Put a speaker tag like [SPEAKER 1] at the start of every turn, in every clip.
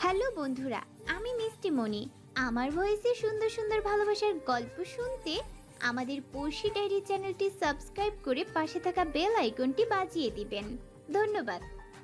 [SPEAKER 1] Hello বন্ধুরা, আমি মিষ্টি মনি। আমার ভয়েসে সুন্দর সুন্দর ভালোবাসার গল্প শুনতে আমাদের পড়শি ডায়েরি চ্যানেলটি সাবস্ক্রাইব করে পাশে থাকা বেল আইকনটি বাজিয়ে দিবেন। ধন্যবাদ।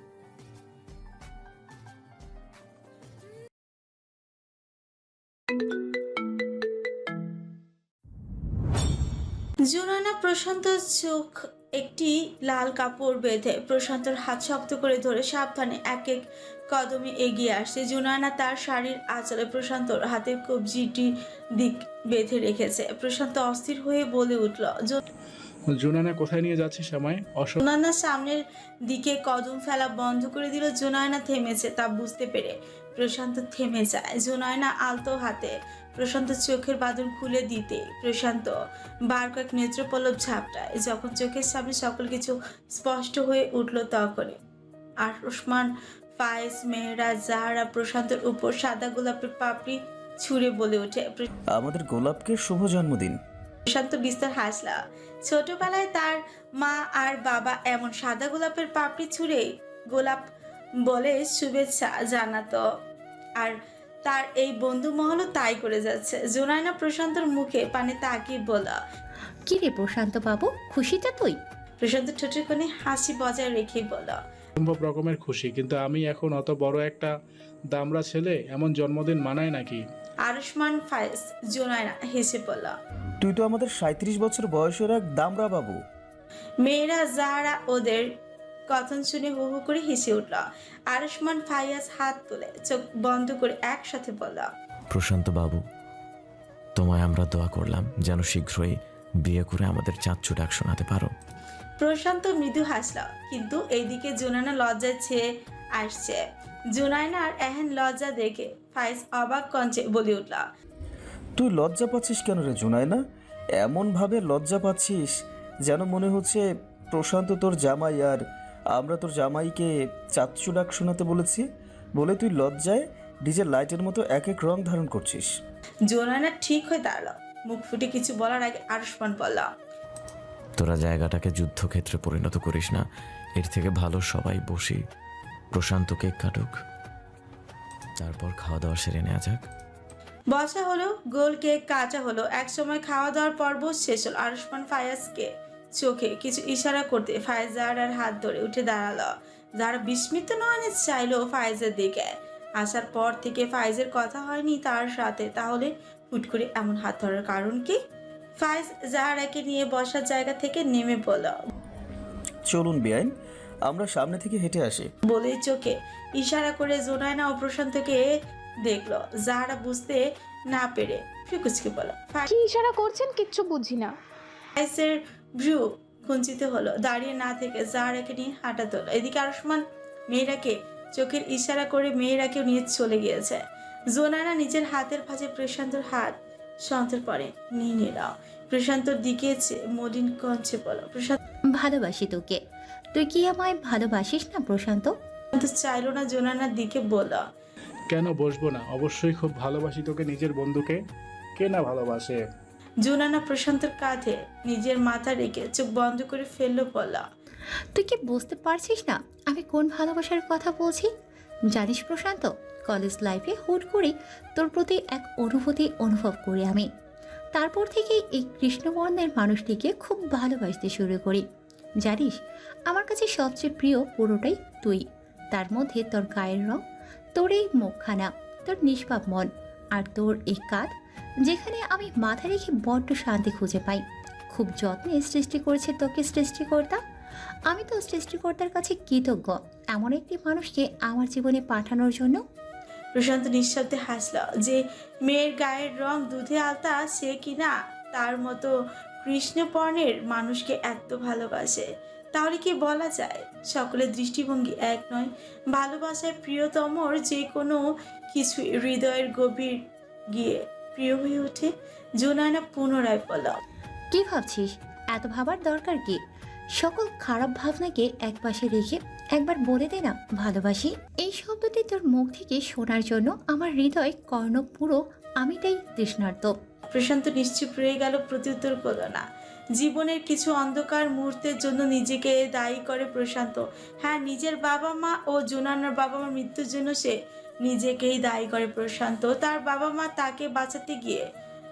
[SPEAKER 2] জুনানা প্রশান্ত চোখ একটি লাল কাপড় বেঁধে প্রশান্তর হাত শক্ত করে ধরে সাবধানে এক এক কদমে এগিয়ে আসছে। জুনানা তার শাড়ির আঁচলে প্রশান্তর হাতের কবজিটি দিক বেঁধে রেখেছে। প্রশান্ত অস্থির হয়ে বলে উঠল।
[SPEAKER 3] জুনানা কোথায় নিয়ে যাচ্ছিস আমায়?
[SPEAKER 2] জুনানা সামনের দিকে কদম ফেলা বন্ধ করে দিল। জুনায়না থেমেছে তা বুঝতে পেরে প্রশান্ত থেমে যায়। জুনায়না আলতো হাতে প্রশান্ত চোখের বাঁধন খুলে দিতে প্রশান্ত বার কয়েক নেত্রপল্লব ঝাপটায়। যখন চোখের সামনে সকল কিছু স্পষ্ট হয়ে উঠল তখনই আর ওসমান, ফায়েজ, মেহরা, জাহারা প্রশান্তের উপর সাদা গোলাপের পাপড়ি ছুঁড়ে বলে ওঠে।
[SPEAKER 4] আমাদের গোলাপকে শুভ জন্মদিন।
[SPEAKER 2] প্রশান্ত বিস্তার হাসলা। ছোটবেলায় তার মা আর বাবা এমন সাদা গোলাপের পাপড়ি ছুঁড়ে গোলাপ বলে শুভেচ্ছা জানাতো, আর তার এই বন্ধু মহলও তাই করে যাচ্ছে। জোনায়না প্রশান্তর মুখে পানে তাকিয়ে বলল,
[SPEAKER 5] কি রে প্রশান্ত বাবু, খুশিটা তুই?
[SPEAKER 2] প্রশান্ত ঠোঁটের কোণে হাসি বজায় রেখেই বলল,
[SPEAKER 3] সম্ভব রকমের খুশি, কিন্তু আমি এখন অত বড় একটা দামড়া ছেলে, এমন জন্মদিন মানায় নাকি?
[SPEAKER 2] আরুষ্মান, ফায়েজ, জোনায়না হেসে বলল।
[SPEAKER 4] তুই তো আমাদের 37 বছর বয়সের এক দামড়া বাবু।
[SPEAKER 2] মেয়েরা, জাহারা ওদের কথন শুনে হু হু করে হেসে উঠল। আরুষ্মান, ফায়াজ হাত তুলে চোখ বন্ধ করে একসাথে বলল,
[SPEAKER 6] প্রশান্ত বাবু, তোমায় আমরা দোয়া করলাম যেন শীঘ্রই বিয়ে করে আমাদের চাচ্চু ডাক শোনাতে পারো।
[SPEAKER 2] প্রশান্ত মৃদু হাসল, কিন্তু এইদিকে জুনানা লজ্জায় ছেয়ে আসছে। জুনায়নার এহেন লজ্জা দেখে ফাইজ অবাক কঞ্চে বলে উঠল,
[SPEAKER 4] তুই লজ্জা পাচ্ছিস কেন রে জুনায়না? এমন ভাবে লজ্জা পাচ্ছিস যেন মনে হচ্ছে প্রশান্ত তোর জামাই আর আমরা তোর জামাইকে চাচ্চু ডাক শোনাতে বলেছি বলে তুই লজ্জায় ডিজের লাইটের মতো এক এক রং ধারণ করছিস।
[SPEAKER 2] জুনায়না ঠিক হয়ে দাঁড়ালো। মুখ ফুটে কিছু বলার আগে আরুষ্মান বলল,
[SPEAKER 6] তোরা জায়গাটাকে যুদ্ধক্ষেত্রে পরিণত করিস না, এর থেকে ভালো সবাই বসি, প্রশান্ত কেক কাটুক, তারপর খাওয়া দাওয়া সেরে নেওয়া যাক।
[SPEAKER 2] বসা হলো, গোল কেক কাটা হলো। এক সময় খাওয়া দাওয়ার পর্ব শেষ হলো। আরুষ্মান ফায়াজকে চোখে কিছু ইশারা করতে ফায়েজ জাহারার হাত ধরে উঠে দাঁড়ালো। যারা বিস্মিত নয়নে চাইলো ফায়েজের দিকে। আসার পর থেকে ফায়েজের কথা হয়নি তার সাথে, তাহলে হুট করে এমন হাত ধরার কারণ কি? ফায়েজ জাহারাকে নিয়ে বসার জায়গা থেকে নেমে পড়ল।
[SPEAKER 4] চলুন বেআইন, আমরা সামনে থেকে হেঁটে আসি।
[SPEAKER 2] বলেই চোখে ইশারা করে জোনায়না ও প্রশান্তকে দেখলো। জাহারা বুঝতে না পেরে ফিকুচকে বলল,
[SPEAKER 7] কি ইশারা করছেন কিচ্ছু বুঝি না।
[SPEAKER 2] ফায়েজের ভ্রু কুঞ্চিত হলো। দাঁড়িয়ে না থেকে জাহারাকে নিয়ে হাঁটা তোলো। এদিকে আরুষ্মান মেয়েরাকে চোখের ইশারা করে মেয়েরাকেও নিয়ে চলে গিয়েছে। জোনায়না নিজের হাতের ভাঁজে প্রশান্তর হাত সন্তর পরে নিয়ে নিল। প্রশান্তর দিকে মলিন কঞ্চে বলল, প্রশান্ত
[SPEAKER 5] ভালোবাসি তোকে। তুই কি আমায় ভালোবাসিস না প্রশান্ত?
[SPEAKER 2] চাইলো না জোনায়নার দিকে বলল,
[SPEAKER 3] কেন বসবো না, অবশ্যই খুব ভালোবাসি তোকে, নিজের বন্ধুকে কে না ভালোবাসে।
[SPEAKER 2] জোনায়না প্রশান্তর কাঁধে নিজের মাথা রেখে চোখ বন্ধ করে ফেললো। বলল,
[SPEAKER 5] তুই কি বুঝতে পারছিস না আমি কোন ভালোবাসার কথা বলছি? জানিস প্রশান্ত, কলেজ লাইফে হুট করে তোর প্রতি এক অনুভূতি অনুভব করি আমি। তারপর থেকেই এই কৃষ্ণবর্ণের মানুষটিকে খুব ভালোবাসতে শুরু করি। জানিস, আমার কাছে সবচেয়ে প্রিয় পুরোটাই তুই। তার মধ্যে তোর গায়ের রং, তোর এই মুখখানা, তোর নিষ্পাপ মন, আর তোর এই কাঁধ, যেখানে আমি মাথা রেখে বড্ড শান্তি খুঁজে পাই। খুব যত্নে সৃষ্টি করেছে তোকে সৃষ্টিকর্তা। আমি তো সৃষ্টিকর্তার কাছে কৃতজ্ঞ এমন একটি মানুষকে আমার জীবনে পাঠানোর জন্য।
[SPEAKER 2] প্রশান্ত নিঃশব্দে হাসল। যে মেয়ের গায়ের রং দুধে আলতা, সে কিনা তার মতো কৃষ্ণবর্ণের মানুষকে এত ভালোবাসে। তাহলে কি বলা যায় সকলের দৃষ্টিভঙ্গি এক নয়? ভালোবাসায় প্রিয়তমর যে কোনো কিছুই হৃদয়ের গভীর গিয়ে প্রিয় হয়ে ওঠে। জোনায়না পুনরায় বলল,
[SPEAKER 5] কি ভাবছিস? এত ভাবার দরকার কি? সকল খারাপ ভাবনাকে একপাশে রেখে একবার বলে দে না ভালোবাসি। এই শব্দটি তোর মুখ থেকে শোনার জন্য আমার হৃদয় কর্ণ পুরো আমিটাই তৃষ্ণার্ত।
[SPEAKER 2] প্রশান্ত নিশ্চুপ রয়ে গেল, প্রত্যুত্তর করল না। জীবনের কিছু অন্ধকার মুহূর্তের জন্য নিজেকে দায়ী করে প্রশান্ত। হ্যাঁ, নিজের বাবা মা ও জোনানার বাবা মার মৃত্যুর জন্য সে নিজেকেই দায়ী করে প্রশান্ত। তার বাবা মা তাকে বাঁচাতে গিয়ে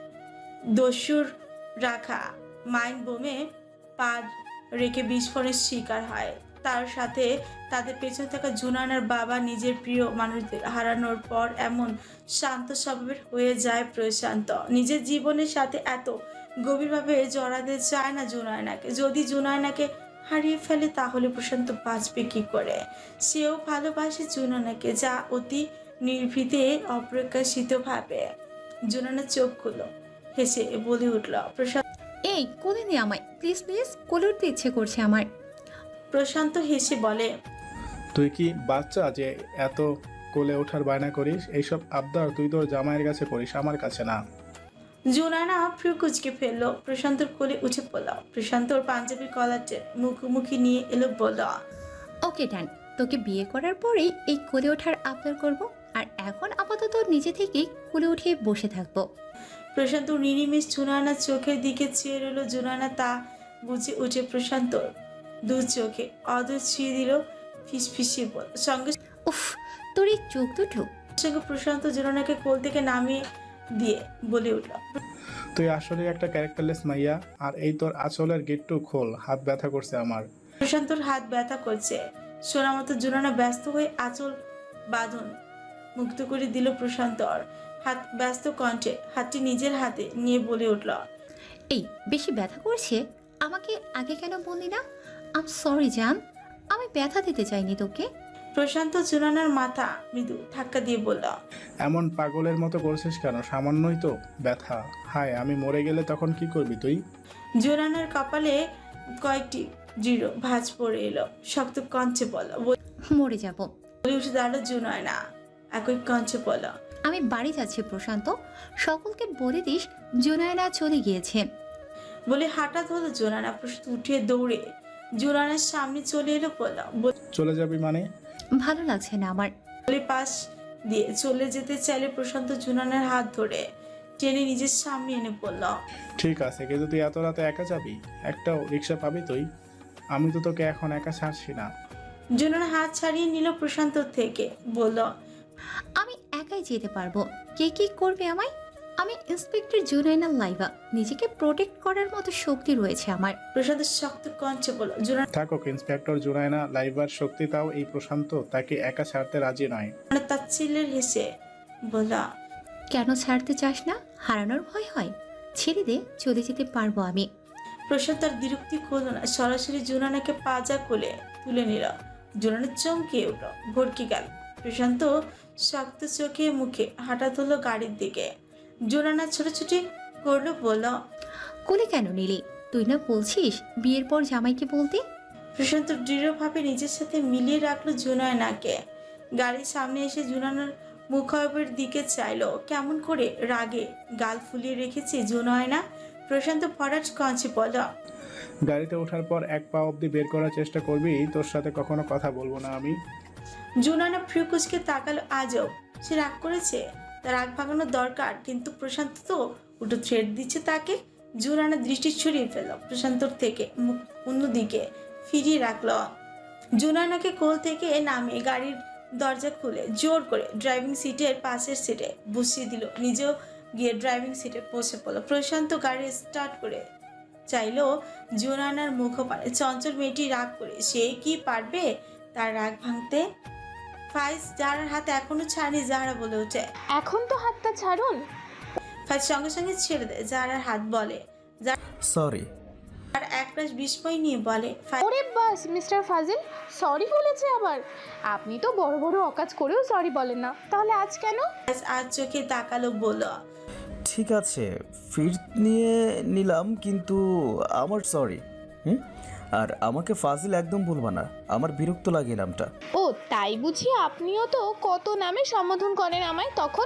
[SPEAKER 2] দস্যুর রাখা মাইন্ড বোমে পা রেখে বিস্ফোরণের শিকার হয়। তার সাথে তাদের পেছনে থাকা জুনানার বাবা নিজের প্রিয় মানুষদের হারানোর পর এমন শান্ত স্বভাবের হয়ে যায় প্রশান্ত। নিজের জীবনের সাথে এত গভীরভাবে জড়াতে চায় না জুনায়নাকে। যদি জুনায়নাকে হারিয়ে ফেলে তাহলে প্রশান্ত বাঁচবে কি করে? সেও ভালোবাসে জুনানাকে, যা অতি নির্ভীতে অপ্রকাশিতভাবে। জুনানা চোখ খুলো, হেসে বলে উঠল,
[SPEAKER 5] এই কোলে নে আমায়, প্লিজ প্লিজ, কোলে উঠতে ইচ্ছে করছে আমার।
[SPEAKER 2] প্রশান্ত হেসে বলে,
[SPEAKER 3] তুই কি বাচ্চা যে এত কোলে ওঠার বায়না করিস? এইসব আবদার তুই তোর জামাইয়ের কাছে করিস, আমার কাছে না।
[SPEAKER 2] জুনানা ফ্রু কুচকে ফেললো, প্রশান্তর কোলে উঠে পড়ল। প্রশান্তর পাঞ্জাবির কলারটে মুখোমুখি নিয়ে এলো, বলল,
[SPEAKER 5] ওকে ডান, তোকে বিয়ে করার পরেই এই কোলে ওঠার আবদার করব, আর এখন আপাতত নিজে থেকেই কোলে উঠে বসে থাকবো।
[SPEAKER 2] প্রশান্ত নিরিমিষ জুনানার চোখের দিকে চেয়ে রইল। জুনানা তা বুঝে উঠে প্রশান্তর দু চোখে অদর ছুঁয়ে দিল, ফিসফিসিয়ে বল। সঙ্গে
[SPEAKER 5] উফ, তোর এই চোখ দুটো।
[SPEAKER 2] সঙ্গে প্রশান্ত জুনানাকে কোল থেকে নামিয়ে দিয়ে বলে উঠল,
[SPEAKER 3] তুই আসলে একটা ক্যারেক্টারলেস মাইয়া। আর এই তোর আঁচলের গেটটু খোল, হাত ব্যথা করছে আমার।
[SPEAKER 2] প্রশান্তর হাত ব্যথা করছে শোনা মতো জুনানা ব্যস্ত হয়ে আঁচল বাঁধন মুক্ত করে দিল। প্রশান্তর হাত ব্যস্ত কণ্ঠে হাতটি নিজের হাতে নিয়ে বলে উঠল,
[SPEAKER 5] এই বেশি ব্যথা করছে, আমাকে আগে কেন বললি না? আম সরি জান, আমি ব্যথা দিতে চাইনি তোকে।
[SPEAKER 2] প্রশান্ত জুনানার মাথা মৃদু ধাক্কা দিয়ে বলল,
[SPEAKER 3] এমন পাগলের মতো করছিস কেন? সামান্যই তো ব্যথা। হায়, আমি মরে গেলে তখন কি করবি তুই?
[SPEAKER 2] জুনানার কপালে কয়েকটি দৃঢ় ভাঁজ পড়ে এলো। শক্ত কঞ্চে বলল,
[SPEAKER 5] মরে যাব।
[SPEAKER 2] বলে উঠে দাঁড়ালো জুনায়না, একই কঞ্চে বলল,
[SPEAKER 5] আমি বাড়ি যাচ্ছি প্রশান্ত, সকলকে বলে দিস জুনায়না চলে গিয়েছে।
[SPEAKER 2] বলে হাঁটা ধরলো জুনানা। প্রশান্ত উঠে দৌড়ে জুনানার সামনে চলে এলো, বলল,
[SPEAKER 3] চলে যাবি মানে?
[SPEAKER 5] ভালো লাগছে না আমার।
[SPEAKER 2] বলে পাশ দিয়ে চলে যেতে চাইলে প্রশান্ত জুনানার হাত ধরে টেনে নিজের সামনে এনে পড়ল,
[SPEAKER 3] ঠিক আছে, কিন্তু তুই এত রাতে একা যাবি? একটাও রিক্সা পাবি তুই? আমি তো তোকে এখন একা ছাড়ছি না।
[SPEAKER 2] জুনানা হাত ছাড়িয়ে নিল প্রশান্ত থেকে, বলল,
[SPEAKER 5] আমি একাই যেতে পারবো, কে কি করবে আমায়? আমি ইন্সপেক্টর জুনাইনা লাইভা, নিজেকে প্রোটেক্ট করার মতো শক্তি রয়েছে আমার।
[SPEAKER 2] প্রশান্ত শক্ত কঞ্চে বলল। জুনানা
[SPEAKER 3] থাকুক ইন্সপেক্টর জুনায়না লাইভার শক্তি, তাও এই প্রশান্ত তাকে একা ছাড়তে রাজি নয়।
[SPEAKER 2] তাচ্ছিল্যের হেসে বলল,
[SPEAKER 5] কেন ছাড়তে চাস না? হারানোর ভয় হয়? ছেড়ে দে, চলে যেতে পারবো আমি।
[SPEAKER 2] প্রশান্ত তার বিরক্তি করল না, সরাসরি জুনানাকে পাজা কোলে তুলে নিল। জুনানা চমকে উঠল, ভরকে গেল। প্রশান্ত শক্ত চোখে মুখে হাঁটা ধরল গাড়ির দিকে। জুনানা ছোটাছুটি করলো, বলল,
[SPEAKER 5] কোলে কেন নিলি? তুই না বলছিস বিয়ের পর জামাইকে বলতে?
[SPEAKER 2] প্রশান্ত দৃঢ়ভাবে নিজের সাথে মিলিয়ে রাখলো জুনায়নাকে। গাড়ির সামনে এসে জুনানার মুখাবের দিকে চাইলো। কেমন করে রাগে গাল ফুলিয়ে রেখেছে জুনায়না। প্রশান্ত ফরাজ কঞ্চে বলল,
[SPEAKER 3] গাড়িতে ওঠার পর এক পা অবধি বের করার চেষ্টা করবি, তোর সাথে কখনো কথা বলবো না আমি।
[SPEAKER 2] জুনানা ফ্রিকুচকে তাকালো। আজও সে রাগ করেছে, তার রাগ ভাঙানোর দরকার, কিন্তু প্রশান্ত তো উল্টো থ্রেট দিচ্ছে তাকে। জুনানা দৃষ্টি ছড়িয়ে ফেলল প্রশান্তর থেকে, মুখ অন্যদিকে ফিরিয়ে রাখলো। জুনানাকে কোল থেকে নামিয়ে গাড়ির দরজা খুলে জোর করে ড্রাইভিং সিটের পাশের সিটে বসিয়ে দিল। নিজেও গিয়ে ড্রাইভিং সিটে বসে পড়ল। প্রশান্ত গাড়ি স্টার্ট করে চাইলো জুনানার মুখপানে। চঞ্চল মেয়েটি রাগ করে সে কি পারবে তার রাগ ভাঙতে? ফাইজ জাহারার হাতে এখনো ছাড়েনি। জাহারা বলে ওঠে,
[SPEAKER 7] এখন তো হাতটা ছাড়ুন।
[SPEAKER 2] ফাইজ সঙ্গে সঙ্গে ছেড়ে দেয় জাহারার হাত, বলে,
[SPEAKER 4] সরি।
[SPEAKER 2] আর একরাশ বিস্ময় নিয়ে বলে, ফাইজ
[SPEAKER 7] ওরে বাস মিস্টার ফাজিল, সরি বলেছে আবার? আপনি তো বড় বড় অকাজ করেও সরি বলেন না, তাহলে আজ কেন?
[SPEAKER 2] আর চোখে তাকালো, বলল,
[SPEAKER 4] ঠিক আছে, ফির নিয়ে নিলাম, কিন্তু আমার সরি। আর আমাকে ফাজিল একদম বলবা না, আমার বিরক্ত লাগে নামটা।
[SPEAKER 7] ও তাই বুঝি? আপনিও তো কত নামে সম্বোধন করেন আমায় তখন।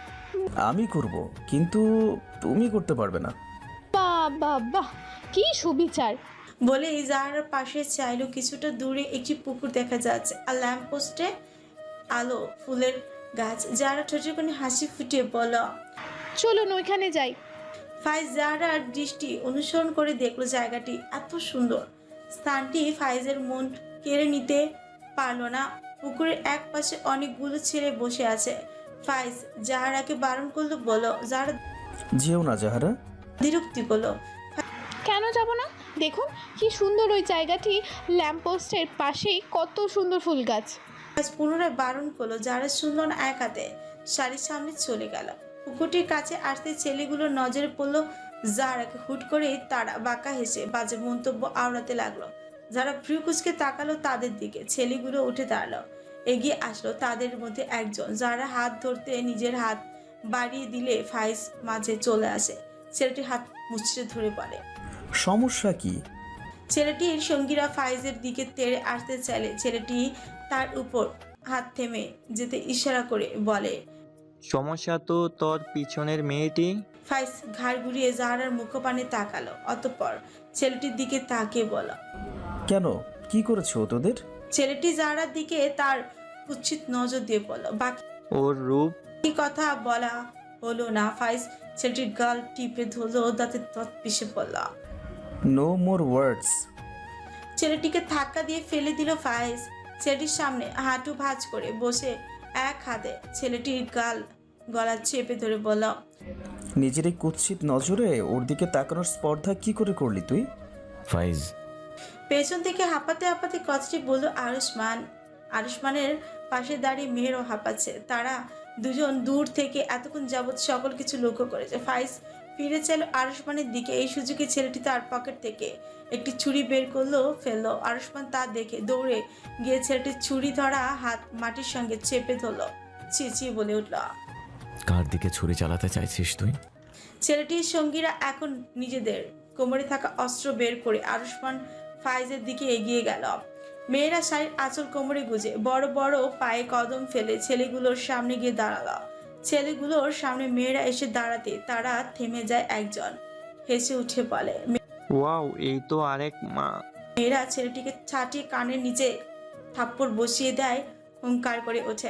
[SPEAKER 4] আমি করব, কিন্তু তুমি করতে পারবে না।
[SPEAKER 7] বাহ বাহ বাহ, কি সুবিচার।
[SPEAKER 2] বলে জাহারার পাশে চাইলো। কিছুটা দূরে একটি পুকুর দেখা যাচ্ছে, আর ল্যাম্প পোস্টে আলো, ফুলের গাছ। জাহারা ঠোঁটের কোণে হাসি ফুটিয়ে বলল,
[SPEAKER 7] চলুন ওইখানে যাই।
[SPEAKER 2] ফাইজ জাহারার দৃষ্টি অনুসরণ করে দেখলো জায়গাটি এত সুন্দর। স্থানটি ফাইজের মন কেড়ে নিতে পারলো না। পুকুরের এক পাশে অনেকগুলো ছেলে বসে আছে। ফাইজ জাহারাকে বারণ করলো, বলো। জাহারা
[SPEAKER 4] যেও না জাহারা।
[SPEAKER 2] বিরক্তি করলো।
[SPEAKER 7] কেন যাব না? দেখুন কি সুন্দর ওই জায়গাটি, ল্যাম্পপোস্টের পাশেই কত সুন্দর ফুল গাছ।
[SPEAKER 2] ফাইজ পুনরায় বারণ করলো। জাহারা শুনলো না, এক হাতে শাড়ির সামনে চলে গেল। পুকুরটির কাছে আসতে ছেলেগুলোর নজরে পড়লো জাহারাকে। হুট করে তারা বাঁকা হেসে বাজে মন্তব্য আওড়াতে লাগলো। যারা ভ্রু কুচকে তাকালো তাদের দিকে। ছেলেগুলো উঠে দাঁড়ালো, এগিয়ে আসলো। তাদের মধ্যে একজন যারা হাত ধরতে নিজের হাত বাড়িয়ে দিলে ফাইজ মাঝে চলে আসে। ছেলেটির হাত মুচড়ে ধরে পড়ে।
[SPEAKER 4] সমস্যা কি?
[SPEAKER 2] ছেলেটির সঙ্গীরা ফাইজের দিকে তেড়ে আসতে চাইলে ছেলেটি তার উপর হাত থেমে যেতে ইশারা করে বলে।
[SPEAKER 8] সমস্যা তো তোর পিছনের মেয়েটি।
[SPEAKER 2] ফাইজ ঘাড় ঘুরিয়ে জাহারার মুখপানে তাকালো, অতঃপর ছেলেটির দিকে তাকিয়ে বলল।
[SPEAKER 4] কেন, কি করেছো ও তোদের?
[SPEAKER 2] ছেলেটি জাহারার দিকে তার কুৎসিত নজর দিয়ে বলল। বাকি
[SPEAKER 8] ওর রূপ।
[SPEAKER 2] কথা বলা হলো না। ফাইজ ছেলেটির গাল টিপে ধরলো, দাঁতে দাঁত পিষে পড়ল।
[SPEAKER 4] No more words.
[SPEAKER 2] ছেলেটিকে ধাক্কা দিয়ে ফেলে দিল ফাইজ। ছেলেটির সামনে হাঁটু ভাঁজ করে বসে এক হাতে ছেলেটির গলা চেপে ধরে বলল।
[SPEAKER 4] নিজের এই কুৎসিত নজরে ওর দিকে তাকানোর স্পর্ধা কি করে করলি তুই?
[SPEAKER 6] ফাইজ,
[SPEAKER 2] পেছন থেকে হাঁপাতে হাঁপাতে কথাটি বলল আরুষ্মান। আরুষ্মানের পাশে দাঁড়িয়ে মেহেরও হাঁপাচ্ছে। তারা দুজন দূর থেকে এতক্ষণ যাবৎ সকল কিছু লক্ষ্য করেছে। ফাইজ ফিরে চাইল আরুষ্মানের দিকে। এই সুযোগে ছেলেটি তার পকেট থেকে একটি ছুরি বের করলো, ফেললো। আরুষ্মান তা দেখে দৌড়ে গিয়ে ছেলেটির ছুরি ধরা হাত মাটির সঙ্গে চেপে ধরলো। চেঁচিয়ে বলে উঠল।
[SPEAKER 6] কার দিকে ছুরি চালাতে চাইছিস তুই?
[SPEAKER 2] ছেলেটির সঙ্গীরা এখন নিজেদের কোমরে থাকা অস্ত্র বের করে আরুষ্মান ফাইজের দিকে এগিয়ে গেল। মেয়েরা শাড়ির আঁচল কোমরে গুজে বড় বড় পায়ে কদম ফেলে ছেলেগুলোর সামনে গিয়ে দাঁড়ালো। ছেলেগুলোর সামনে মেয়েরা এসে দাঁড়াতে তারা থেমে যায়। একজন হেসে উঠে বলে।
[SPEAKER 8] ওয়াও, এই তো আরেক মা।
[SPEAKER 2] মেয়েরা ছেলেটিকে ছাটিয়ে কানের নিচে থাপ্পড় বসিয়ে দেয়, হুঙ্কার করে ওঠে।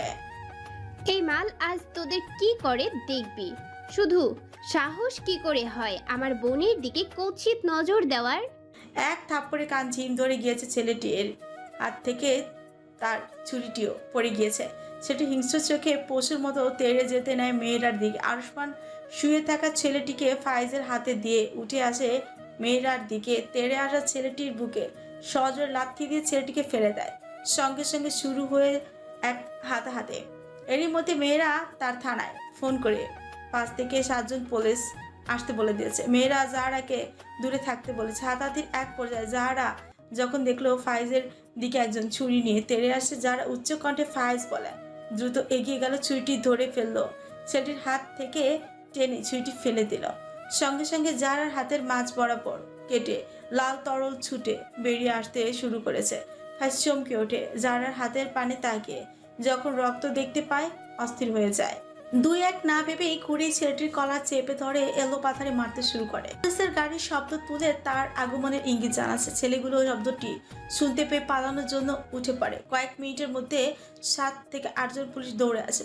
[SPEAKER 1] এই মাল আজ তোদের কি করে দেখবি। শুধু সাহস কি করে হয় আমার বোনের দিকে কুৎসিত নজর দেওয়ার।
[SPEAKER 2] এক থাপ্পড়ে কান ঝিম ধরে গিয়েছে ছেলেটির হাত থেকে। তার ছুরিটিও পড়ে গিয়েছে। সেটি হিংস্র চোখে পশুর মতো তেড়ে যেতে নেয় মেয়েরার দিকে। আরুষ্মান শুয়ে থাকা ছেলেটিকে ফাইজের হাতে দিয়ে উঠে আসে মেয়েরার দিকে। তেড়ে আসা ছেলেটির বুকে সজোরে লাথি দিয়ে ছেলেটিকে ফেলে দেয়। সঙ্গে সঙ্গে শুরু হয়ে এক হাতে। এরই মধ্যে মেয়েরা তার থানায় ফোন করে 5 থেকে 7 জন পুলিশ আসতে বলে দিয়েছে। মেয়েরা জাহারাকে দূরে থাকতে বলেছে। হাতাহাতির এক পর্যায়ে জাহারা যখন দেখলো ফাইজের দিকে একজন ছুরি নিয়ে তেড়ে আসে, যারা উচ্চ কণ্ঠে ফাইজ বলে, দ্রুত এগিয়ে গেল, ছুরিটি ধরে ফেললো। ছেলেটির হাত থেকে টেনে ছুরিটি ফেলে দিল। সঙ্গে সঙ্গে জাহারার হাতের মাঝ বরাবর কেটে লাল তরল ছুটে বেরিয়ে আসতে শুরু করেছে। ফাইজ চমকে ওঠে। জাহারার হাতের পানে তাকিয়ে যখন রক্ত দেখতে পায় অস্থির হয়ে যায়। 2-1 না ভেবেই ঘুরেই ছেলেটির কলার চেপে ধরে এলো পাথারে মারতে শুরু করে। পুলিশের গাড়ির শব্দ তুলে তার আগমনের ইঙ্গিত জানাচ্ছে। ছেলেগুলো শব্দটি শুনতে পেয়ে পালানোর জন্য উঠে পড়ে। কয়েক মিনিটের মধ্যে 7 থেকে 8 জন পুলিশ দৌড়ে আসে।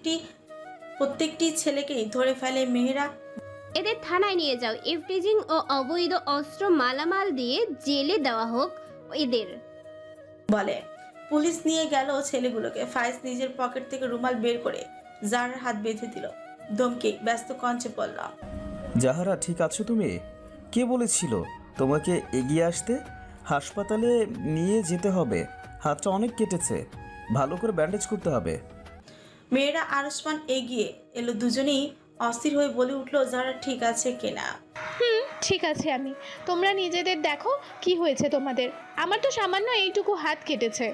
[SPEAKER 2] প্রত্যেকটি ছেলেকেই ধরে ফেলে মেহেরা।
[SPEAKER 1] এদের থানায় নিয়ে যাও। ইফটিজিং ও অবৈধ অস্ত্র মালামাল দিয়ে জেলে দেওয়া হোক এদের,
[SPEAKER 2] বলে। পুলিশ নিয়ে গেল ছেলেগুলোকে। ফাইজ নিজের পকেট থেকে রুমাল বের করে জাহারার হাত বেঁধে দিল। ধমকে ব্যস্ত কণ্ঠে বলল।
[SPEAKER 4] জাহারা, ঠিক আছো তুমি? কে বলেছিল তোমাকে এগিয়ে আসতে? হাসপাতালে নিয়ে যেতে হবে, হাতটা অনেক কেটেছে, ভালো করে ব্যান্ডেজ করতে হবে।
[SPEAKER 2] মেয়েরা আরুষ্মান এগিয়ে এলো। দুজনেই অস্থির হয়ে বলে উঠলো, যারা ঠিক আছে কিনা।
[SPEAKER 7] ঠিক আছে, তোমরা নিজেদের দেখো কি হয়েছে তোমাদের। আমার তো সামান্য এইটুকু হাত কেটেছে।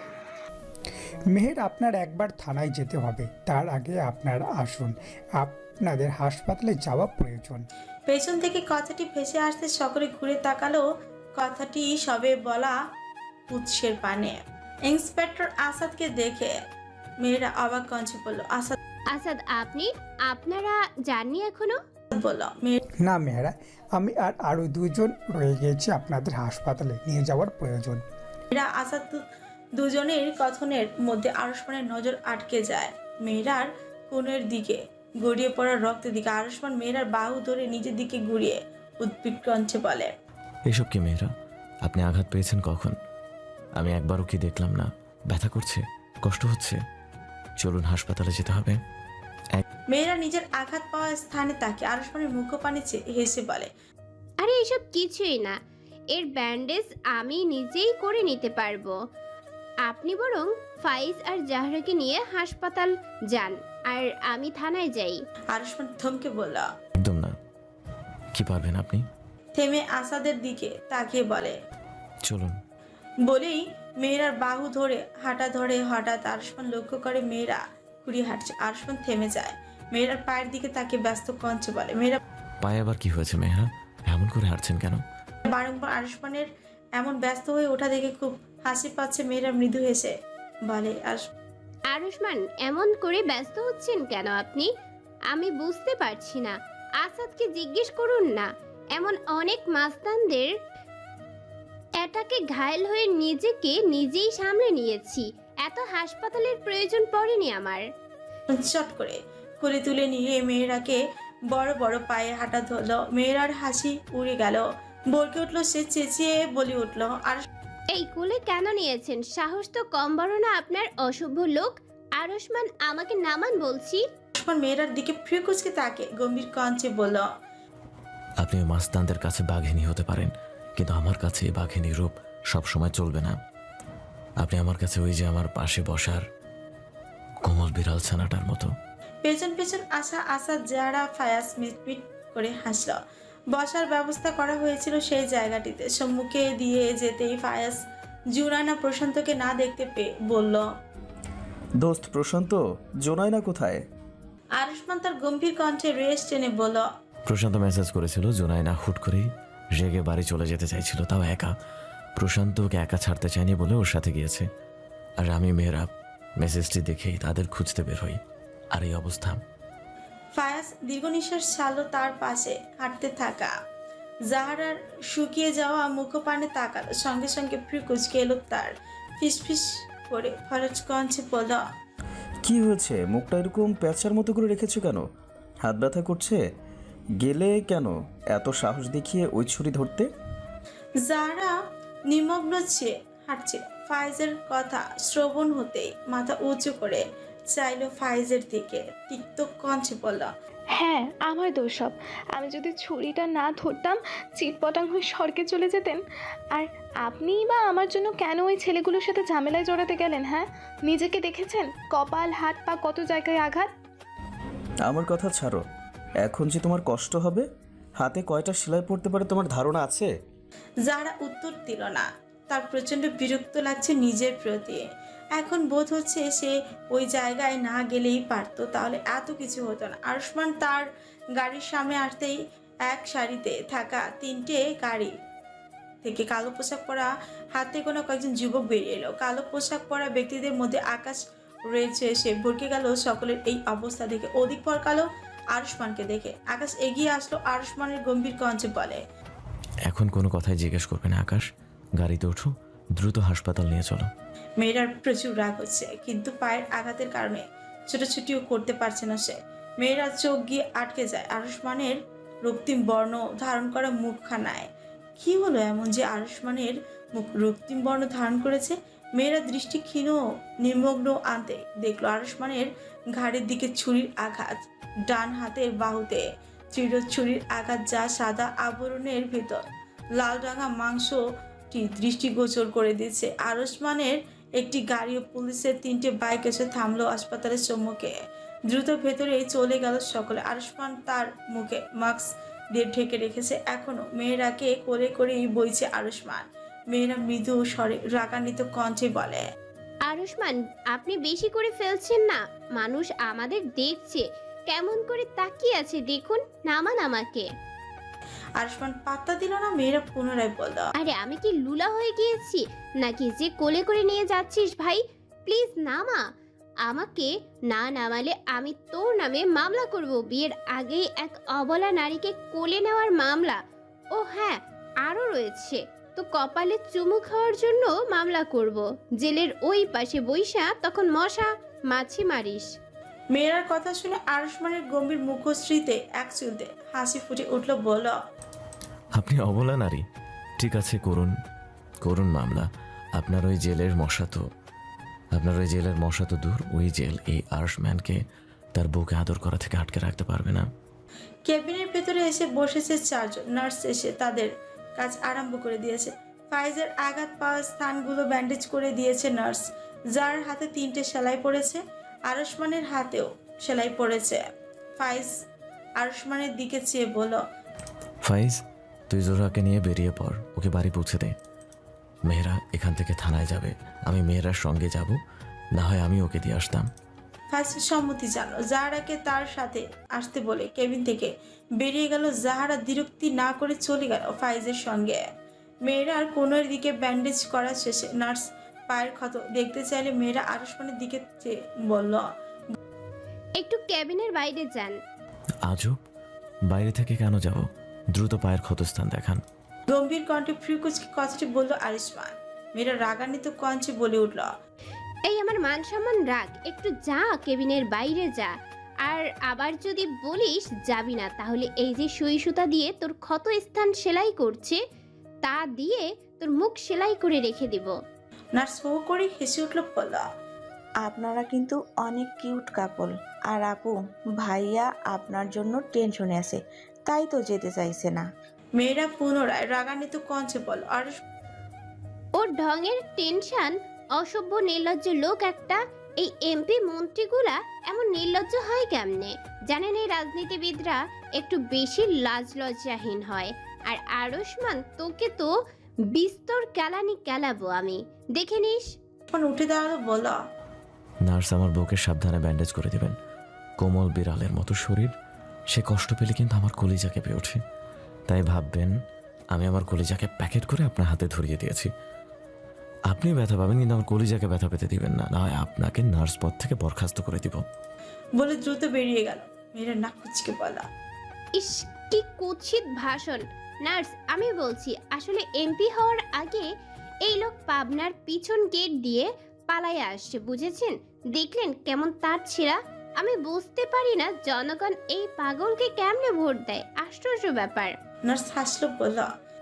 [SPEAKER 9] মেহের, আপনার একবার থানায় যেতে হবে, তার আগে আপনারা আসুন, আপনাদের হাসপাতালে যাওয়া প্রয়োজন।
[SPEAKER 2] পেছন থেকে কথাটি ভেসে আসতে সকলে ঘুরে তাকালো। কথাটি সবে বলা উৎসের পানে। ইন্সপেক্টর আসাদকে দেখে মেয়েরা অবাক কণ্ঠে বলল।
[SPEAKER 1] আসাদ আপনারা জাননি এখনো?
[SPEAKER 2] বলল।
[SPEAKER 9] না মেহেরা, আমি আর আরও 2 জন রয়ে গেছি, আপনাদের হাসপাতালে নিয়ে যাওয়ার প্রয়োজন।
[SPEAKER 2] মেয়েরা আসাদ দুজনের কথনের মধ্যে আরুষ্মানের নজর আটকে যায়। মেয়েরার কোণের দিকে গড়িয়ে পড়া রক্তের দিকে। আরুষ্মান মেয়েরার বাহু ধরে নিজের দিকে ঘুরিয়ে উদ্বিগ্ন কণ্ঠে বলে।
[SPEAKER 6] এসব কি মেয়েরা? আপনি আঘাত পেয়েছেন কখন? আমি একবারও কি দেখলাম না? ব্যথা করছে? কষ্ট হচ্ছে? চলুন হাসপাতালে যেতে হবে।
[SPEAKER 2] মেয়েরা নিজের আঘাত পাওয়া স্থানে তাকে আরুষ্মানের মুখ পানে চেয়ে হেসে বলে,
[SPEAKER 1] আরে এসব কিছুই না, এর ব্যান্ডেজ আমি নিজেই করে নিতে পারবো। আপনি বরং ফাইজ আর জাহরাকে নিয়ে হাসপাতাল যান, আর আমি থানায় যাই।
[SPEAKER 2] আরুষ্মান থমকে বলল।
[SPEAKER 6] একদম না। কি পারবেন আপনি?
[SPEAKER 2] থেমে আসাদের দিকে তাকিয়ে বলে।
[SPEAKER 6] চলুন।
[SPEAKER 2] বলেই মেয়েরার বাহু ধরে হাঁটা ধরে। হঠাৎ আরুষ্মান লক্ষ্য করে মেয়েরা ঘুরিয়ে হাঁটছে। আরুষ্মান থেমে যায়, মেয়েরার পায়ের দিকে তাকে ব্যস্ত কঞ্চে বলে। মেয়েরা
[SPEAKER 6] পায়ে আবার কি হয়েছে মেহরা? এমন করে হাঁটছেন কেন?
[SPEAKER 2] বারংবার আরুষ্মানের এমন ব্যস্ত হয়ে ওঠা দেখে খুব হাসি পাচ্ছে। মেয়েরা মৃদু হেসে বলে,
[SPEAKER 1] আরুষ্মান, এমন করে ব্যস্ত হচ্ছেন কেন আপনি? আমি বুঝতে পারছি না। আসাদকে জিজ্ঞেস করুন না। এমন অনেক মাস্তানদের এটাকে ঘায়েল হয়ে নিজেকে নিজেই সামলে নিয়েছি। এত হাসপাতালের প্রয়োজন পড়েনি আমার।
[SPEAKER 2] চট করে কোলে তুলে নিয়ে মেয়েরাকে বড় বড় পায়ে হাঁটা ধরলো। মেয়েরার হাসি উড়ে গেল, বলকে উঠলো সে, চেঁচিয়ে বলে উঠলো, আর
[SPEAKER 1] এই কুলে কেন নিয়েছেন? সাহস তো কম বড় না আপনার, অসভ্য লোক। আরুষ্মান, আমাকে নামান বলছি।
[SPEAKER 2] মেয়েরার দিকে ফ্রি কুচকে তাকে গম্ভীর কঞ্চে বলল,
[SPEAKER 6] আপনি ওই মাস্তানদের কাছে বাঘিনী হতে পারেন, কিন্তু আমার কাছে এই বাঘিনী রূপ সবসময় চলবে না। আপনি আমার কাছে ওই যে আমার পাশে বসার কোমল বিড়াল ছানাটার মতো।
[SPEAKER 2] পেছন পেছন আসা যারা ফায়াস মিটমিট করে হাসল। বসার ব্যবস্থা করা হয়েছিল সেই জায়গাটিতে। সম্মুখে দিয়ে যেতেই ফায়াস জুনায়না প্রশান্তকে না দেখতে পেয়ে বলল,
[SPEAKER 4] দোস্ত প্রশান্ত, জোনায়না কোথায়?
[SPEAKER 2] আরুষ্মান তার গম্ভীর কণ্ঠে রেস টেনে বলল,
[SPEAKER 6] প্রশান্ত মেসেজ করেছিল জুনায়না হুট করেই রেগে বাড়ি চলে যেতে চাইছিল, তাও একা। প্রশান্ত ওকে একা ছাড়তে চায়নি বলে ওর সাথে গিয়েছে। আর আমি মেয়েরা মেসেজটি দেখেই তাদের খুঁজতে বের হই, আর এই অবস্থা।
[SPEAKER 2] ফায়াস দীর্ঘ নিঃশ্বাস ছাড়লো। তার পাশে হাঁটতে থাকা জাহারার শুকিয়ে যাওয়া মুখপানে তাকালো। সঙ্গে সঙ্গে ফ্রি কুচকে এলো তার। ফিসফিস করে ফরজ কঞ্চে বলল,
[SPEAKER 4] কি হয়েছে? মুখটা এরকম প্যাঁচার মতো করে রেখেছো কেন? হাত ব্যথা করছে? গেলে কেন এত সাহস দেখিয়ে ওই ছুরি ধরতে?
[SPEAKER 2] যারা নিমগ্ন চেয়ে হাঁটছিল। ফাইজের কথা শ্রবণ হতেই মাথা উঁচু করে চাইলো ফাইজের দিকে। তিক্ত কঞ্চে বলল,
[SPEAKER 7] হ্যাঁ, আমার দোষ সব। আমি যদি ছুরিটা না ধরতাম, চিটপটাং হয়ে স্বর্গে চলে যেতেন। আর আপনিই বা আমার জন্য কেন ওই ছেলেগুলোর সাথে ঝামেলায় জড়াতে গেলেন? হ্যাঁ, নিজেকে দেখেছেন? কপাল, হাত পা, কত জায়গায় আঘাত।
[SPEAKER 4] আমার কথা ছাড়ো, এখন যে তোমার কষ্ট হবে, হাতে কয়টা সেলাই পড়তে পারে তোমার ধারণা আছে?
[SPEAKER 2] যারা উত্তর দিল না। তার প্রচন্ড বিরক্ত লাগছে নিজের প্রতি। এখন বোধ হচ্ছে সে ওই জায়গায় না গেলেই পারতো, তাহলে এত কিছু হতো না। আরুষ্মান তার গাড়ির সামনে আসতেই এক সারিতে থাকা তিনটে গাড়ি থেকে কালো পোশাক পরা হাতে কোনো কয়েকজন যুবক বেরিয়ে এলো। কালো পোশাক পরা ব্যক্তিদের মধ্যে আকাশ রয়েছে। সে ভরকে গেল সকলের এই অবস্থা দেখে। অধিক পর কালো আরুষ্মানকে দেখে আকাশ এগিয়ে আসলো। আরুষ্মানের গম্ভীর কণ্ঠে বলে,
[SPEAKER 6] এখন কোনো কথাই জিজ্ঞেস করবে না আকাশ, গাড়িতে ওঠো, দ্রুত হাসপাতাল নিয়ে চলো।
[SPEAKER 2] মেয়েরার প্রচুর রাগ হচ্ছে, কিন্তু পায়ের আঘাতের কারণে ছোটাছুটিও করতে পারছে না সে। মেয়েরা চোখ গিয়ে আটকে যায় আরুষ্মানের রক্তিম বর্ণ ধারণ করা মুখখানায়। কি হলো এমন যে আরুষ্মানের মুখ রক্তিম বর্ণ ধারণ করেছে? মেয়েরা দৃষ্টি ক্ষীণ নির্মগ্ন আনতে দেখলো আরুষ্মানের ঘাড়ের দিকে ছুরির আঘাত। ডান হাতের বাহুতে তীব্র ছুরির আঘাত, যা সাদা আবরণের ভেতর লাল রাঙা মাংসটি দৃষ্টিগোচর করে দিচ্ছে। আরুষ্মানের একটি গাড়ি ও পুলিশের তিনটে বাইক এসে থামলো হাসপাতালের সম্মুখে। দ্রুত ভেতরে চলে গেল সকলে। আরুষ্মান তার মুখে মাস্ক দিয়ে ঢেকে রেখেছে এখনো। মেয়েরাকে কোলে করেই বইছে আরুষ্মান। মেয়েরা মৃদু স্বরে রাগান্বিত কণ্ঠে বলে,
[SPEAKER 1] আরুষ্মান, আপনি বেশি করে ফেলছেন না। মানুষ আমাদের দেখছে, কেমন করে তাকিয়ে আছে দেখুন। নামান আমাকে।
[SPEAKER 2] আরুষ্মান পাত্তা দিল না। মেয়েরা পুনরায় বলল,
[SPEAKER 1] আরে আমি কি লুলা হয়ে গিয়েছি নাকি যে কোলে করে নিয়ে যাচ্ছিস? ভাই প্লিজ নামা আমাকে। না নামালে আমি তোর নামে মামলা করব। বিয়ের আগেই এক অবলা নারীকে কোলে নেওয়ার মামলা। ও হ্যাঁ, আরও রয়েছে তো কপালে চুমু খাওয়ার জন্য মামলা করব। জেলের ওই পাশে বইসা তখন মশা মাছি মারিস।
[SPEAKER 2] মেয়েরার কথা শুনে আরুষ্মানের গম্ভীর মুখশ্রীতে এক চুলতে হাসি ফুটে উঠল। বলল,
[SPEAKER 6] আপনি অবলা নারী? ঠিক আছে, করুন করুন মামলা। আপনার ওই জেলের মশা তো আপনার ওই জেলের মশা তো দূর, ওই জেল এই আর্শম্যানকে তার বউকে আদর করা থেকে আটকে রাখতে পারবে না।
[SPEAKER 2] কেবিনের ভেতরে এসে বসেছে চারজন। নার্স এসে তাদের কাজ আরম্ভ করে দিয়েছে। ফাইজের আঘাত পাওয়া স্থানগুলো ব্যান্ডেজ করে দিয়েছে নার্স, যার হাতে 3টে সেলাই পড়েছে। আরশমানের হাতেও সেলাই পড়েছে। ফাইজ আরশমানের দিকে চেয়ে বলল,
[SPEAKER 6] ফাইজ, তুই জোহরাকে নিয়ে বেরিয়ে পড়, ওকে বাড়ি পৌঁছে দে। মেহরা এখান থেকে থানায় যাবে, আমি মেহরার সঙ্গে যাব, না হয় আমি ওকে দিয়ে আসতাম।
[SPEAKER 2] ফাইজ সম্মতি জানালো। জাহারাকে তার সাথে আসতে বলে কেবিন থেকে বেরিয়ে গেল। জাহারা বিরক্তি না করে চলে গেল ফাইজের সঙ্গে। মেয়েরার কোনোর দিকে ব্যান্ডেজ করা শেষে নার্স পায়ের ক্ষত দেখতে চাইলে মেয়েরা আরশমানের দিকে চেয়ে বলল,
[SPEAKER 1] একটু কেবিনের বাইরে যান।
[SPEAKER 6] আজব, বাইরে থেকে কেন যাব? দ্রুত পায়ের ক্ষতস্থান দেখান।
[SPEAKER 2] গম্ভীর কণ্ঠে ফ্রিকুচকে কথাটি বলল আরিশমান। মেয়েরা রাগান্বিত কঞ্চে বলে উঠল,
[SPEAKER 1] এই আমার মান সম্মান রাখ, একটু যা, কেবিনের বাইরে যা। আর আবার যদি বলিস যাবি না, তাহলে এই যে সুই সুতা দিয়ে তোর ক্ষত স্থান সেলাই করছে তা দিয়ে তোর মুখ সেলাই করে রেখে দিব।
[SPEAKER 2] নার্স হো করে হেসে উঠল, বলল,
[SPEAKER 10] আপনারা কিন্তু অনেক কিউট কাপল। আর আপু, ভাইয়া আপনার জন্য টেনশনে আছে, তাই তো যেতে চাইছে না।
[SPEAKER 2] মেয়েরা পুনরায় রাগান্বিত কঞ্চে বলল, আর
[SPEAKER 1] ওর ঢঙের টেনশন, অসভ্য নির্লজ্জ লোক একটা। এই এমপি মন্ত্রীগুলা এমন নির্লজ্জ হয় কেমনে? জানেন এই রাজনীতিবিদরা একটু বেশি লাজ লজ্জাহীন হয়। আর আরশমান, তোকে তো বিস্তর কেলানি কেলাবো আমি, দেখে নিস।
[SPEAKER 2] উঠে দাঁড়ালো, বলল,
[SPEAKER 6] নার্স, আমার বউকে সাবধানে ব্যান্ডেজ করে দিবেন। কোমল বিড়ালের মতো শরীর, সে কষ্ট পেলে কিন্তু আমার কলিজা কেঁপে ওঠে। তাই ভাববেন আমি আমার কলিজাকে প্যাকেট করে আপনার হাতে ধরিয়ে দিয়েছি। আপনি ব্যথা পাবেন, কিন্তু আমার কলিজাকে ব্যথা পেতে দিবেন না, না হয় আপনাকে নার্স পদ থেকে বরখাস্ত করে দিব।
[SPEAKER 2] বলে দ্রুত বেরিয়ে গেল। মেয়েরা নাক কুচকে বলা,
[SPEAKER 1] ইস, কি কুৎসিত ভাষণ। নার্স, আমি বলছি, আসলে এমপি হওয়ার আগে এই লোক পাবনার পিছন গেট দিয়ে পালায়ে আসছে, বুঝেছেন? দেখলেন কেমন তার ছিঁড়া? আমি বুঝতে পারি না জনগণ এই পাগলকে কেমনে ভোট দেয়, আশ্চর্য ব্যাপার।
[SPEAKER 2] নার্স হাসলো, বলল,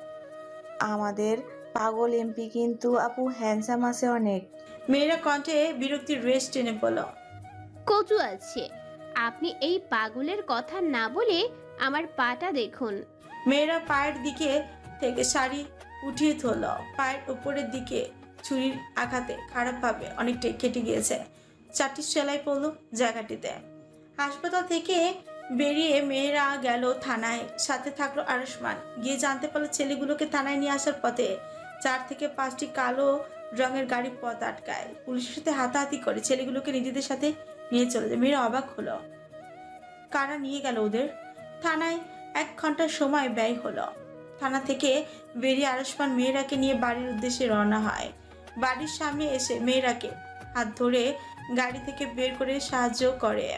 [SPEAKER 10] আমাদের পাগল এমপি কিন্তু আপু হ্যান্ডসাম আছে অনেক।
[SPEAKER 2] মেয়েরা কণ্ঠে বিরক্তির রেশ টেনে বলল,
[SPEAKER 1] কচু আছে। আপনি এই পাগলের কথা না বলে আমার পাটা দেখুন।
[SPEAKER 2] মেয়েরা পায়ের দিকে থেকে শাড়ি উঠিয়ে ধরল। পায়ের উপরের দিকে ছুরির আঘাতে খারাপভাবে অনেকটাই কেটে গিয়েছে। 4টি সেলাই পড়লো জায়গাটিতে। হাসপাতাল থেকে বেরিয়ে মেয়েরা গেল থানায়। সাথে থাকলো আরশমান। গিয়ে জানতে পারলো ছেলেগুলোকে থানায় নিয়ে আসার পথে 4 থেকে 5টি কালো রঙের গাড়ি পথ আটকায়। পুলিশের সাথে হাতাহাতি করে ছেলেগুলোকে নিজেদের সাথে নিয়ে চলে যায়। মেয়েরা অবাক হলো, কারা নিয়ে গেল ওদের? থানায় 1 ঘন্টার সময় ব্যয় হলো। থানা থেকে বেরিয়ে আরশমান মেয়েরাকে নিয়ে বাড়ির উদ্দেশ্যে রওনা হয়। বাড়ির সামনে এসে মেয়েরাকে হাত ধরে গাড়ি থেকে বের করে সাহায্য করে।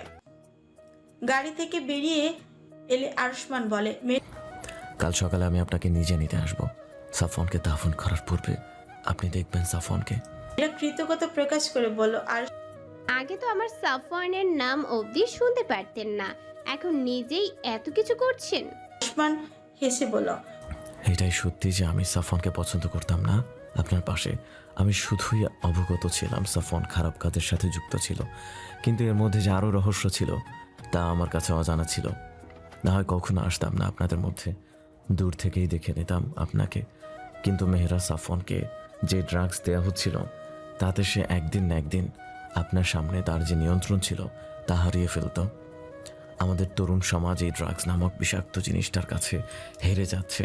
[SPEAKER 2] গাড়ি থেকে বেরিয়ে এলে আরশমান বলে,
[SPEAKER 6] কাল সকালে আমি আপনাকে নিজে নিতে আসব। সাফওয়ানকে দাফন করার পূর্বে আপনি দেখবেন সাফওয়ানকে।
[SPEAKER 2] মেয়েরা কৃতজ্ঞতা প্রকাশ করে বলল, আর
[SPEAKER 1] আগে তো আমার সাফওয়ানের নাম অবধি শুনতে পারতেন না, এখন নিজেই এত কিছু করছেন।
[SPEAKER 2] আরশমান হেসে বলল,
[SPEAKER 6] এটাই সত্যি যে আমি সাফওয়ানকে পছন্দ করতাম না। আপনার পাশে আমি শুধুই অবগত ছিলাম সাফওয়ান খারাপ কাজের সাথে যুক্ত ছিল, কিন্তু এর মধ্যে যে আরও রহস্য ছিল তা আমার কাছে অজানা ছিল। না হয় কখনো আসতাম না আপনাদের মধ্যে, দূর থেকেই দেখে নিতাম আপনাকে। কিন্তু মেহরা সাফওয়ানকে যে ড্রাগস দেওয়া হচ্ছিল তাতে সে একদিন না একদিন আপনার সামনে তার যে নিয়ন্ত্রণ ছিল তা হারিয়ে ফেলত। আমাদের তরুণ সমাজ এই ড্রাগস নামক বিষাক্ত জিনিসটার কাছে হেরে যাচ্ছে।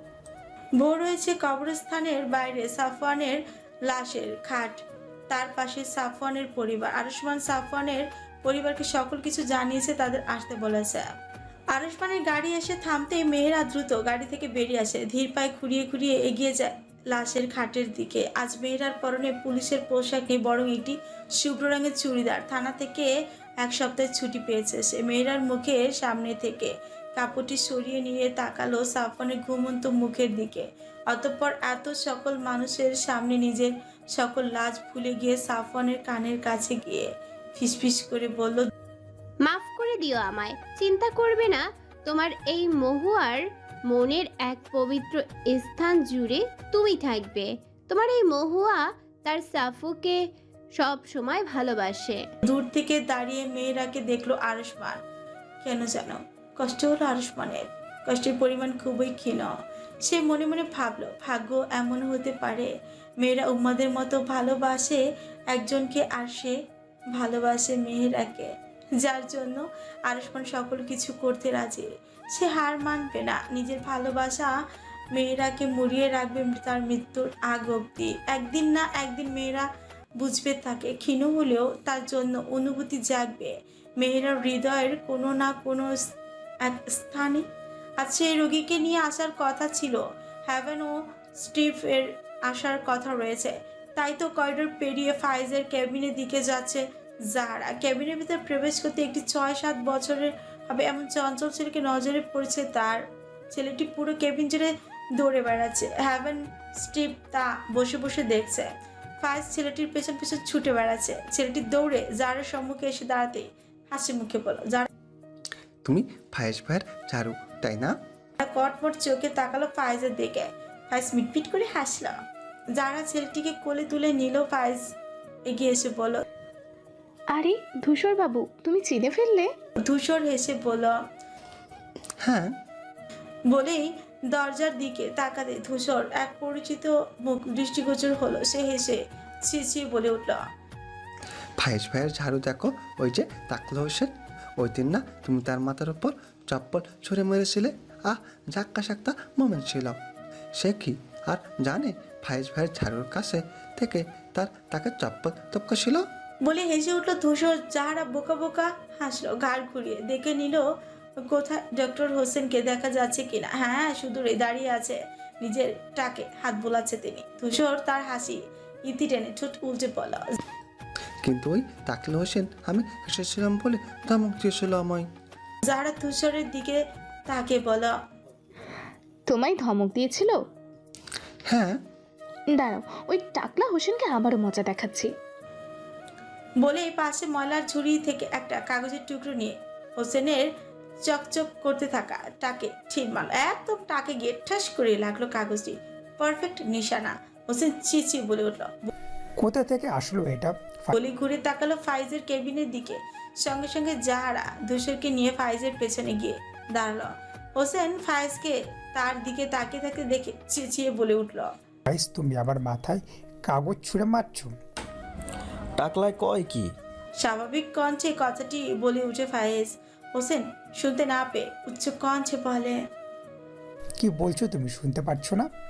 [SPEAKER 2] ভোর হয়েছে। কবরস্থানের বাইরে সাফওয়ানের লাশের খাট, তার পাশে সাফওয়ানের পরিবার। আরশমান সাফওয়ানের পরিবারকে সকল কিছু জানিয়েছে, তাদের আসতে বলেছে। আরশমানের গাড়ি এসে থামতেই মেয়েরা দ্রুত গাড়ি থেকে বেরিয়ে আসে। ধীর পায়ে খুঁড়িয়ে খুঁড়িয়ে এগিয়ে যায় লাশের খাটের দিকে। আজ মেয়েরার পরনে পুলিশের পোশাক নেই, বরং একটি শুভ্র রঙের চুড়িদার। থানা থেকে 1 সপ্তাহের ছুটি পেয়েছে সে। মেয়েরার মুখের সামনে থেকে কাপড়টি সরিয়ে নিয়ে তাকালো সাফওয়ানের ঘুমন্ত মুখের দিকে। অতঃপর এত সকল মানুষের সামনে নিজের সকল লাজ ভুলে গিয়ে সাফওয়ানের কানের কাছে গিয়ে ফিসফিস করে বলল,
[SPEAKER 1] মাফ করে দিও আমায়, চিন্তা করবে না। তোমার এই মহুয়ার মনের এক পবিত্র স্থান জুড়ে তুমি থাকবে। তোমার এই মহুয়া তার সাফুকে
[SPEAKER 11] সব সময় ভালোবাসে।
[SPEAKER 2] দূর থেকে দাঁড়িয়ে মেয়েরাকে দেখলো আরুষ্মান। কেন জানো কষ্ট হলো আরুষ্মানের। কষ্টের পরিমাণ খুবই ক্ষীণ। সে মনে মনে ভাবলো ভাগ্য এমন হতে পারে মেয়েরা উম্মাদের মতো ভালোবাসে একজনকে আর সে ভালোবাসে মেহেরাকে, যার জন্য আরুষ্মান সকল কিছু করতে রাজি। সে হার মানবে না, নিজের ভালোবাসা মেয়েরাকে মুড়িয়ে রাখবে তার মৃত্যুর আগ অব্দি। একদিন না একদিন মেয়েরা বুঝবে তাকে, ক্ষীণ হলেও তার জন্য অনুভূতি জাগবে মেয়েরার হৃদয়ের কোনো না কোনো এক স্থানে। আজ সেই রোগীকে নিয়ে আসার কথা ছিল, হ্যাভেন ও স্টিফের আসার কথা রয়েছে। তাই তো করিডোর পেরিয়ে ফাইজের কেবিনের দিকে যাচ্ছে জাহারা। কেবিনের ভিতরে প্রবেশ করতে একটি 6-7 বছরের হবে এমন চঞ্চল ছেলেকে নজরে পড়েছে তার। ছেলেটি পুরো কেবিন জুড়ে দৌড়ে বেড়াচ্ছে। হ্যাভেন স্টিভ তা বসে বসে দেখছে। ফাইজ ছেলেটির পেছন পেছন ছুটে বেড়াচ্ছে। ছেলেটি দৌড়ে জাহারের সম্মুখে এসে দাঁড়াতেই হাসি মুখে বলল, যারা
[SPEAKER 12] তুমি ফায়েজ ভাইয়ের চারু তাই না?
[SPEAKER 2] কটমট চোখে তাকালো ফাইজের দিকে। ফাইজ মিটমিট করে হাসল। যারা ছেলেটিকে কোলে তুলে নিল। ফাইজ এগিয়ে এসে বলল,
[SPEAKER 7] আরে ধূসর বাবু, তুমি চিনে ফেললে?
[SPEAKER 2] ধূসর হেসে বলল,
[SPEAKER 12] হ্যাঁ।
[SPEAKER 2] বলেই দরজার দিকে তাকাতে ধূসর এক পরিচিত মুখ দৃষ্টিগোচর হলো। সে হেসে চেঁচিয়ে বলে উঠল,
[SPEAKER 12] ফায়েজ ভাইয়ের ঝাড়ু দেখো, ওই যে তাকলো হোসেন। ওই দিন না তুমি তার মাথার উপর চপ্পল ছুঁড়ে মেরেছিলে? জাক্কা সাক্তা মোমেন্ট ছিল। সে কি আর জানে ফায়েজ ভাইয়ের ঝাড়ুর কাছে থেকে তাকে চপ্পল টপকাছিল?
[SPEAKER 2] বলে হেসে উঠল ধূসর। যাহারা বোকা বোকা হাসলো, ঘাড় ঘুরিয়ে দেখে নিল কোথায় ডক্টর হোসেনকে দেখা যাচ্ছে কিনা। হ্যাঁ, শুধু দাঁড়িয়ে আছে, নিজের টাকে হাত বোলাচ্ছে তিনি। ধূসর তার হাসি ইতি টেনে ঠোঁট উল্টে বলল,
[SPEAKER 12] কিন্তু ওই তাকলো হোসেন আমি হেসেছিলাম বলে ধমক দিয়েছিল আমায়।
[SPEAKER 2] যাহারা ধূসরের দিকে তাকে বল,
[SPEAKER 7] তোমায় ধমক দিয়েছিল?
[SPEAKER 12] হ্যাঁ।
[SPEAKER 7] দাঁড়াও, ওই টাকলা হোসেনকে আবারও মজা দেখাচ্ছি।
[SPEAKER 2] বলে পাশে ময়লার ঝুড়ি থেকে একটা কাগজের টুকরো নিয়ে হোসেনের চকচক করতে থাকা টাকে ঠিক মারল। একদম টাকে গিয়ে ঠাস করে লাগলো কাগজটি। পারফেক্ট নিশানা। হোসেন চিচিয়ে বলে উঠল।
[SPEAKER 9] কোথা থেকে আসলো এটা?
[SPEAKER 2] বলি ঘুরে তাকালো ফাইজের কেবিনের দিকে। সঙ্গে সঙ্গে যাহারা ধূসরকে নিয়ে ফাইজের পেছনে গিয়ে দাঁড়ালো। হোসেন ফাইজকে তার দিকে তাকিয়ে থাকতে দেখে চেঁচিয়ে বলে উঠল,
[SPEAKER 9] ফাইজ, তুমি আবার মাথায় কাগজ ছুঁড়ে মারছো?
[SPEAKER 4] টাকলায় কয় কি?
[SPEAKER 2] স্বাভাবিক কণ্ঠে কথাটি বলে উঠে ফাইজ। হোসেন শুনতে না পেয়ে উচ্চ কণ্ঠে বলে,
[SPEAKER 9] কি বলছো তুমি? শুনতে পাচ্ছ না?